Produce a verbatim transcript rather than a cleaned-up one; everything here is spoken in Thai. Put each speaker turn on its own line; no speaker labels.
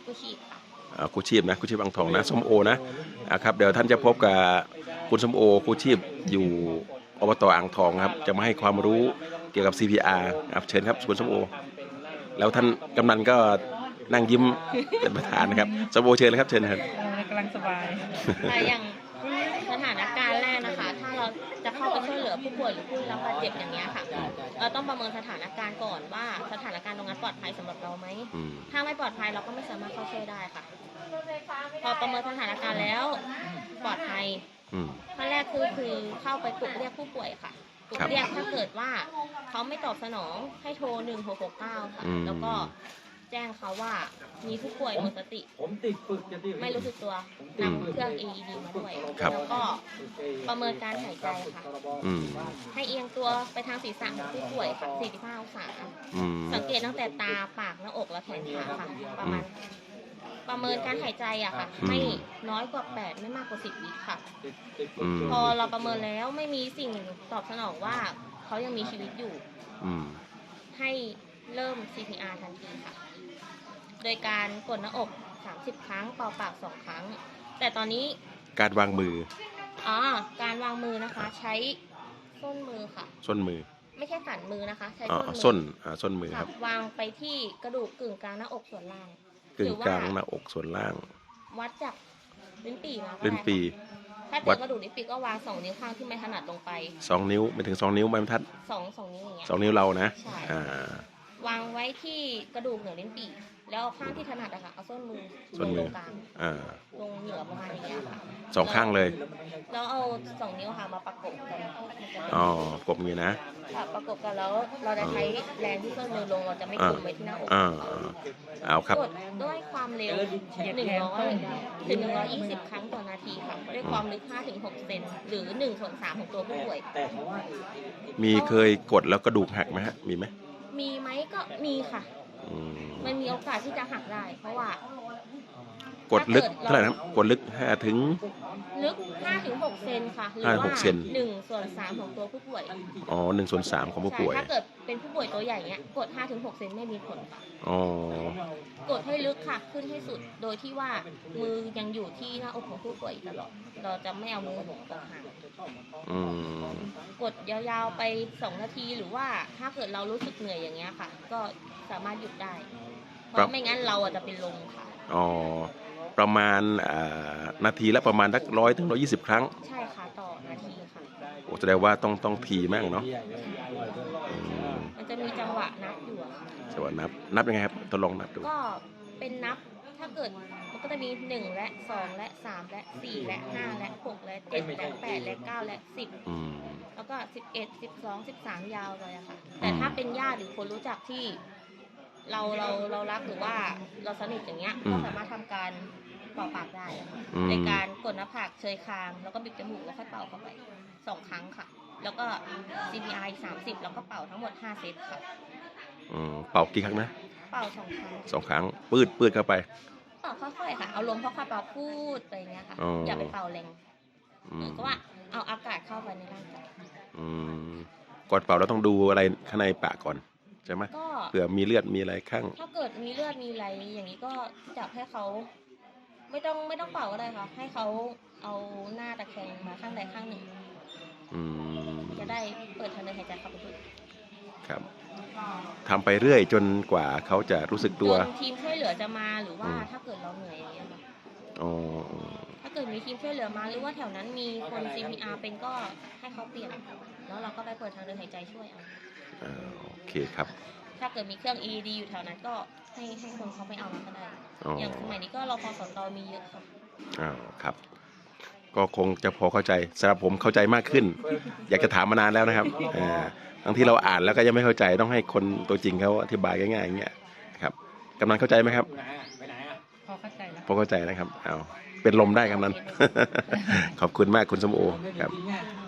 กู้ชีพค่ะ
กู้ชีพนะกู้ชีพอ่างทองนะส้มโอนะอ่าครับเดี๋ยวท่านจะพบกับคุณส้มโอกู้ชีพอยู่อบตอ่างทองครับจะมาให้ความรู้เกี่ยวกับ ซี พี อาร์ ครับเชิญครับคุณส้มโอแล้วท่านกำนันก็นั่งยิ้มเป็นประธานนะครับส้มโอเชิญเลยครับเชิญครับ
กำลังสบาย
แต่อย่างสถานการณ์แรกนะคะถ้าเราจะเข้าไปช่วยเหลือผู้ป่วยหรือผู้รับบาดเจ็บอย่างเงี้ยค่ะเราต้องประเมินสถานการณ์ก่อนว่าสถานการณ์ตรงนั้นปลอดภัยสำหรับเราไหมถ้าไม่ปลอดภัยเราก็ไม่สามารถเข้าช่วยได้ค่ะพอประเมินสถานการณ์แล้วปลอดภัยขั้นแรกคือคือเข้าไปปลุกเรียกผู้ป่วยค่ะปลุกเรียกถ้าเกิดว่าเขาไม่ตอบสนองให้โทรหนึ่งหกหกเก้าค่ะแล้วก็แจ้งเขาว่ามีผู้ป่วยหมดสติไม่รู้สึกตัวนำเครื่อง เอ อี ดี มาด้วยแล้วก็ประเมินการหายใจค่ะให้เอียงตัวไปทางศีรษะของผู้ป่วยค่ะสี่สิบห้าองศาสังเกตตั้งแต่ตาปากหน้าอกและแขนขาค่ะประมาณประเมินการหายใจอะค่ะไม่น้อยกว่าแปดไม่มากกว่าสิบวิค่ะพอเราประเมินแล้วไม่มีสิ่งตอบสนองว่าเขายังมีชีวิตอยู่ให้เริ่ม ซี พี อาร์ ทันทีค่ะโดยการกดหน้าอกสามสิบครั้งเป่าปากสองครั้งแต่ตอนนี้
การวางมือ
อ๋อการวางมือนะคะใช้ส้นมือค่ะ
ส้นมือ
ไม่ใช่สันมือนะคะใช้
ส้น
มือ
ส้นส้นมือครับ
วางไปที่กระดูกกึ่งกลางหน้าอกส่วนล่าง
กึ่งกลางหน้าอกส่วนล่าง
วัดจากลิ้นปี่มา
ลิ้นปี่
ถ้าเป็นกระดูกลิ้นปี่ก็วางสองนิ้วข้างที่ไม่ถนัดลงไป
สองนิ้วไม่ถึงสองนิ้วไม่บรรทัด
สองสองนิ้วอย่างเงี้ย
สองนิ้วเรานะ
อ่าวางไว้ที่กระดูกเหนือลิ้นปี่แล้วข้างที่ถนัดอะค่ะเอาส้นมือลงตรงกลางลงเหนือประมาณอย่างเงี้ยค่ะ
สองข้างเลย
แล้วเอาสองนิ้วค่ะมาประกบกัน
อ๋อกบมือนะ
ประกบกันแล้วเราจะใช้แรงที่ส้นมือลงเราจะไม่กดไว้ที่หน้าอก
เอาครับ
กดด้วยความเร็วหนึ่งร้อยถึงหนึ่งร้อยยี่สิบครั้งต่อนาทีค่ะด้วยความลึกห้าถึงหกเซนหรือหนึ่งส่วนสามของตัวผู้ป่วย
มีเคยกดแล้วกระดูกหักไหมฮะมีไหม
มีไหมก็มีค่ะมันมีโอกาสที่จะหักได้เพราะว่าก
ดลึกเท่าไหร่นะกดลึกห้าถึง
ลึกห้าถึงหกเซนค่ะหรือว่าหนึ่งส่วนสามของตัวผู้ป่วย
อ๋อหนึ่งส่วนสามของผู้ป่วย
ถ้าเกิดเป็นผู้ป่วยตัวใหญ่เนี้ยกดห้าถึงหกเซนไม่มีผลค่ะ
อ๋อก
ดให้ลึกค่ะขึ้นให้สุดโดยที่ว่ามือยังอยู่ที่หน้าอกของผู้ป่วยตลอดเราจะไม่เอามือออกห่างกดยาวๆไปสองนาทีหรือว่าถ้าเกิดเรารู้สึกเหนื่อยอย่างเงี้ยค่ะก็สามารถหยุดได้เพราะไม่งั้นเราจะเป็นลมค่ะ
อ๋อประมาณนาทีละประมาณสักร้อยถึงร้อยยี่สิบครั้ง
ใช่ค่ะต่อนาทีค่ะ
โอ้แสดงว่าต้องต้องทีมากเนาะ
มันจะมีจังหวะนับอยู่ค่ะ
จังหวะนับนับยังไงครับทดลองนับดู
ก็เป็นนับถ้าเกิดมันก็จะมีหนึ่งและสองและสามและสี่และห้าและหกและเจ็ดและแปดและเก้าและสิบแล้วก็สิบเอ็ดสิบสองสิบสามยาวเลยอะค่ะแต่ถ้าเป็นญาติหรือคนรู้จักที่เราเราเรารักหรือว่าเราสนิทอย่างเงี้ยก็สามารถทำการเป่าปากได้ค่ะในการกดหน้าผากเชยคางแล้วก็บิดจมูกแล้วค่อยเป่าเข้าไปสองครั้งค่ะแล้วก็ ซี พี อาร์ อีกสามสิบแล้วก็เป่าทั้งหมดห้าเซตค่ะ
เป่ากี่ครั้งนะ
เป่าสองครั้ง
สองครั้งปืดปืดเข้าไป
เป่าค่อยๆค่ะเอาลมค่อยๆเป่าพูดไปอย่างเงี้ยค่ะอย่าไปเป่าแรงก็ว่าเอาอากาศเข้าไปในร่างกาย
ก่อนเป่าเราต้องดูอะไรข้างในปากก่อนใช่ไหมเผื่อมีเลือดมีอะไรข้าง
ถ้าเกิดมีเลือดมีอะไรอย่างนี้ก็จับให้เขาไม่ต้องไม่ต้องเป่าก็ได้ค่ะให้เขาเอาหน้าตะแคงมาข้างใดข้างหนึ่งจะได้เปิดทางเดินหายใจเข้าไปด้วย
ครับทำไปเรื่อยจนกว่าเขาจะรู้สึกตัว
ทีมช่วยเหลือจะมาหรือว่าถ้าเกิดเราเหนื่อยอย่างเงี้ยค่ะถ้าเกิดมีทีมช่วยเหลือมาหรือว่าแถวนั้นมีคน ซี พี อาร์ เป็นก็ให้เขาเปลี่ยนแล้วเราก็ไปเปิดทางเดินหายใจช่วยเอา
โอเคครับ
ถ้าเกิดมีเครื่อง เอ อี ดี อยู่แถวนั้นก็ให้ให้คนเขาไปเอามาก็ได้อย่างสมัยนี้ก็รพสตมีเยอะค่ะ
อ้าวครับก็คงจะพอเข้าใจสำหรับผมเข้าใจมากขึ้นอยากจะถามมานานแล้วนะครับบางที่เราอ่านแล้วก็ยังไม่เข้าใจต้องให้คนตัวจริงเขาอธิบายง่ายๆอย่างเงี้ยครับกำนันเข้าใจไหมครับ
พอเข้าใจแล้ว
พอเข้าใจนะครับเอาเป็นลมได้กำนันขอบคุณมากคุณสมโอครับ